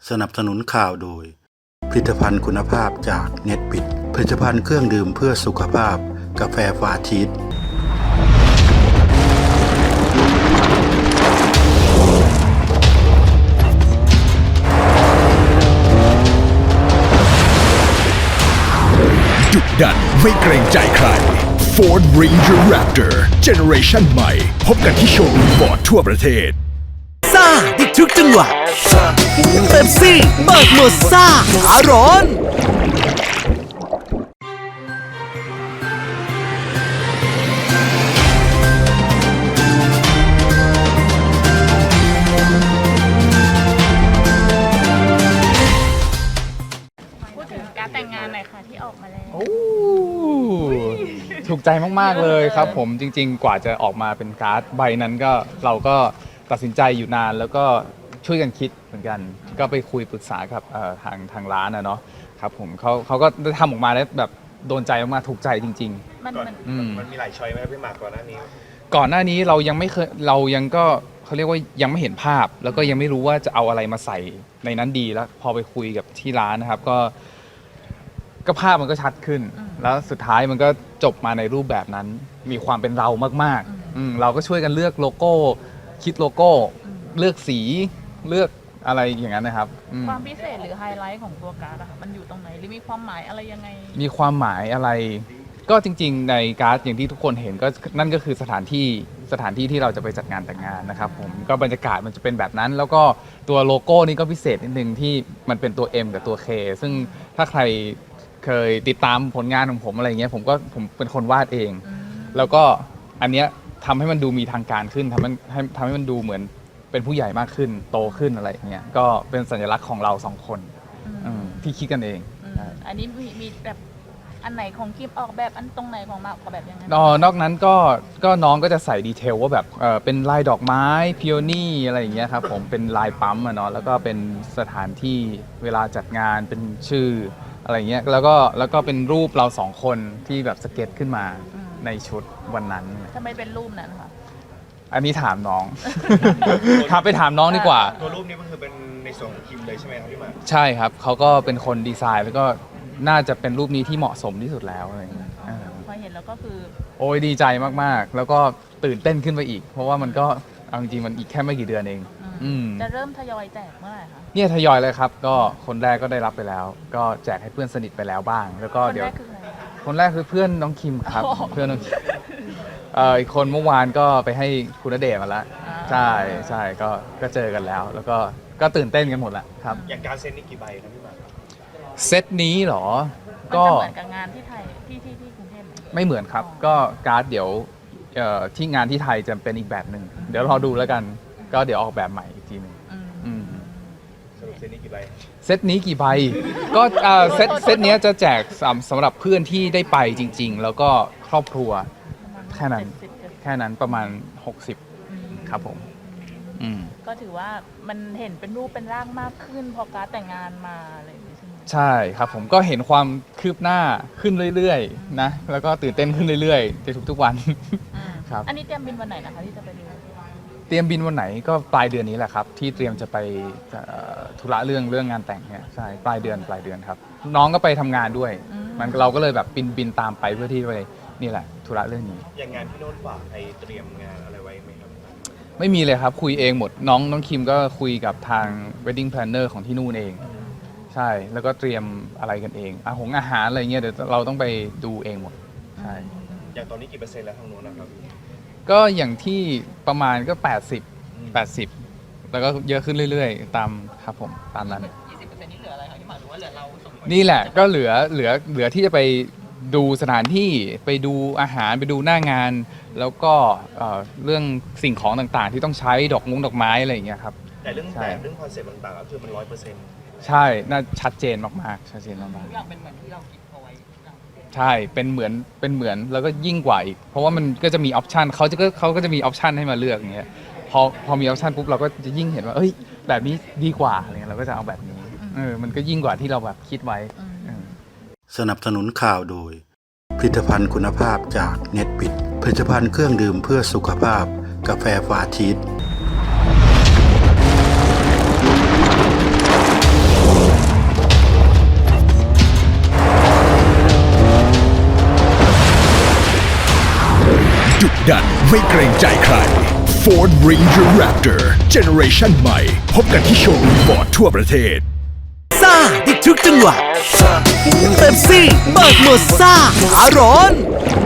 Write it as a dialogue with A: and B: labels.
A: สนับสนุนข่าวโดยผลิตภัณฑ์คุณภาพจากเน็ตบิดผลิตภัณฑ์เครื่องดื่มเพื่อสุขภาพกาแฟฟาชีส
B: ดุดันไม่เกรงใจใคร Ford Ranger Raptor Generation ใหม่พบกันที่โชว์รูมฟอร์ดทั่วประเทศ
C: ซ่าอีกทุกจังหวะเป๊ปซี่เปิดโหมดซ่าขาร้อน
D: พูดถึงการแต่งงานหน่อยค่ะที่ออกมาแล้ว
E: ถูกใจมากๆเลยครับผมจริงๆกว่าจะออกมาเป็นการ์ดใบนั้นก็เราก็ตัดสินใจอยู่นานแล้วก็ช่วยกันคิดเหมือนกันก็ไปคุยปรึกษากับทางร้านเนาะครับผมเขาก็ได้ทำออกมาแล้วแบบโดนใจมากๆถูกใจจริงๆ
F: มันมีหลายช้อยไหมพี่หมากก่อนหน้านี้
E: เรายังไม่เคยเรายังก็เขาเรียกว่ายังไม่เห็นภาพแล้วก็ยังไม่รู้ว่าจะเอาอะไรมาใส่ในนั้นดีแล้วพอไปคุยกับที่ร้านนะครับก็ภาพมันก็ชัดขึ้นแล้วสุดท้ายมันก็จบมาในรูปแบบนั้นมีความเป็นเรามากๆเราก็ช่วยกันเลือกโลโก้คิดโลโก้เลือกสีเลือกอะไรอย่างนั้นนะครับ
D: ความพิเศษหรือไฮไลท์ของตัวการ์ดอะค่ะมันอยู่ตรงไหนหรือมีความหมายอะไรยังไง
E: มีความหมายอะไรก็จริงๆในการ์ดอย่างที่ทุกคนเห็นก็นั่นก็คือสถานที่ที่เราจะไปจัดงานแต่งงานนะครับผมก็บรรยากาศมันจะเป็นแบบนั้นแล้วก็ตัวโลโก้นี่ก็พิเศษนิดนึงที่มันเป็นตัว M กับตัว K ซึ่งถ้าใครเคยติดตามผลงานของผมอะไรเงี้ยผมเป็นคนวาดเองแล้วก็อันเนี้ยทำให้มันดูมีทางการขึ้นทำให้มันดูเหมือนเป็นผู้ใหญ่มากขึ้นโตขึ้นอะไรเงี้ยก็เป็นสัญลักษณ์ของเราสองคนที่คิดกันเอง
D: อันนี้มีแบบอันไหนของกิฟออกแบบอันตรงไหนของมาออกแบบยังไง
E: นอกนั้นก็น้องก็จะใส่ดีเทลว่าแบบเป็นลายดอกไม้พิโอนี่อะไรอย่างเงี้ยครับผมเป็นลายปั๊มเนาะแล้วก็เป็นสถานที่เวลาจัดงานเป็นชื่ออะไรเงี้ยแล้วก็เป็นรูปเราสองคนที่แบบสเก็ตขึ้นมาในชุดวันนั้น
D: ทำไมเป็นรูปนั้นคะ
E: อันนี้ถามน้อง ไปถามน้องดีกว่า
F: ตัวรูปนี้มันคือเป็นในส่วนของคิมเลยใช่ไหมครับพี่หมาก
E: ใช่ครับเขาก็เป็นคนดีไซน์แล้วก็น่าจะเป็นรูปนี้ที่เหมาะสมที่สุดแล้วอะไรเงี้ย
D: พอเห็นแล้วก็คือ
E: โอ้ยดีใจมากๆแล้วก็ตื่นเต้นขึ้นไปอีกเพราะว่ามันก็เอาจริงๆมันอีกแค่ไม่กี่เดือนเอง
D: จะเริ่มทยอยแจกเมื่อไหร่คะ
E: เนี่ยทยอยเลยครับก็คนแรกก็ได้รับไปแล้วก็แจกให้เพื่อนสนิทไปแล้วบ้างแล้วก็เดี๋ยวคนแรกคือเพื่อนน้องคิมครับเพื่อนน้องคิมอีกคนเมื่อวานก็ไปให้คุณณเดชน์มาแล้วใช่ก็เจอกันแล้วแล้วก็ตื่นเต้นกันหมดแหละครับ
F: อย่างการเซ็ตนี่กี่ใบครับพี่หมาก
E: เซตนี้เหรอ
D: ก็เหมือนกับงานที่ไทยที่กรุงเทพ
E: ไม่เหมือนครับก็การ์ดเดี๋ยวที่งานที่ไทยจะเป็นอีกแบบหนึ่งเดี๋ยวรอดูแล้วกันก็เดี๋ยวออกแบบใหม่อีกทีนึง
F: เซตนี้กี่ใบ
E: เซตนี้กี่ใบก็เซตนี้จะแจกสำหรับเพื่อนที่ได้ไปจริงๆแล้วก็ครอบครัวแค่นั้นประมาณ60ครับผม
D: ก็ถือว่ามันเห็นเป็นรูปเป็นร่างมากขึ้นพอการแต่งงานมาอะไรอย่างนี้ใช่ไหม
E: ใช่ครับผมก็เห็นความคืบหน้าขึ้นเรื่อยๆนะแล้วก็ตื่นเต้นขึ้นเรื่อยๆในทุกๆวัน
D: ครับอันนี้เตรียมบินวันไหนนะคะที่จะไปดู
E: เตรียมบินวันไหนก็ปลายเดือนนี้แหละครับที่เตรียมจะไปธุระเรื่องงานแต่งเนี่ยใช่ปลายเดือนครับน้องก็ไปทำงานด้วยมันเราก็เลยแบบบินตามไปเพื่อที่ไปนี่แหละธุระเรื่องนี้
F: อย่างงานพี่โน้นฝากเตรียมงานอะไรไว้ไหมครับ
E: ไม่มีเลยครับคุยเองหมดน้องคิมก็คุยกับทาง wedding planner ของที่นู่นเองใช่แล้วก็เตรียมอะไรกันเองอาหารอะไรเงี้ยเดี๋ยวเราต้องไปดูเองหมดใช่
F: อย่างตอนนี้กี่เปอร์เซ็นต์แล้วทางโน้นนะครับ
E: ก็อย่างที่ประมาณก็80แล้วก็เยอะขึ้นเรื่อยๆตามครับผมตามนั้น
D: 20%นี่เหลืออะไรคะที่หมายถึงว่าเหลือเราสองคน
E: นี่แหละก็เหลือที่จะไปดูสถานที่ไปดูอาหารไปดูหน้างานแล้วก็เรื่องสิ่งของต่างๆที่ต้องใช้ดอกไม้อะไรอย่างเงี้ยครับ
F: แต่เรื่องแบบเรื่องคอนเซ็ปต์ต่างๆก็คือมัน100%
E: ใช่น่าชัดเจนมากๆชัดเจนมาก
D: ๆทุกอย่างเป็นเหมือนที่เราคิดเอาไว้
E: ใช่เป็นเหมือนแล้วก็ยิ่งกว่าอีกเพราะว่ามันก็จะมีออปชันเขาก็จะมีออปชันให้มาเลือกอย่างเงี้ยพอมีออปชันปุ๊บเราก็จะยิ่งเห็นว่าเอ้ยแบบนี้ดีกว่าอะไรเงี้ยเราก็จะเอาแบบนี้มันก็ยิ่งกว่าที่เราแบบคิดไว้
A: สนับสนุนข่าวโดยผลิตภัณฑ์คุณภาพจากเน็ตบิดผลิตภัณฑ์เครื่องดื่มเพื่อสุขภาพกาแฟฟาชีส
B: ไม่เกรงใจใคร Ford Ranger Raptor Generation ใหม่ พบกันที่โชว์รูมฟอร์ดทั่วประเทศ
C: ซ่าได้ทุกจังหวะเป๊ปซี่เบิกหมดซ่าขาร้อน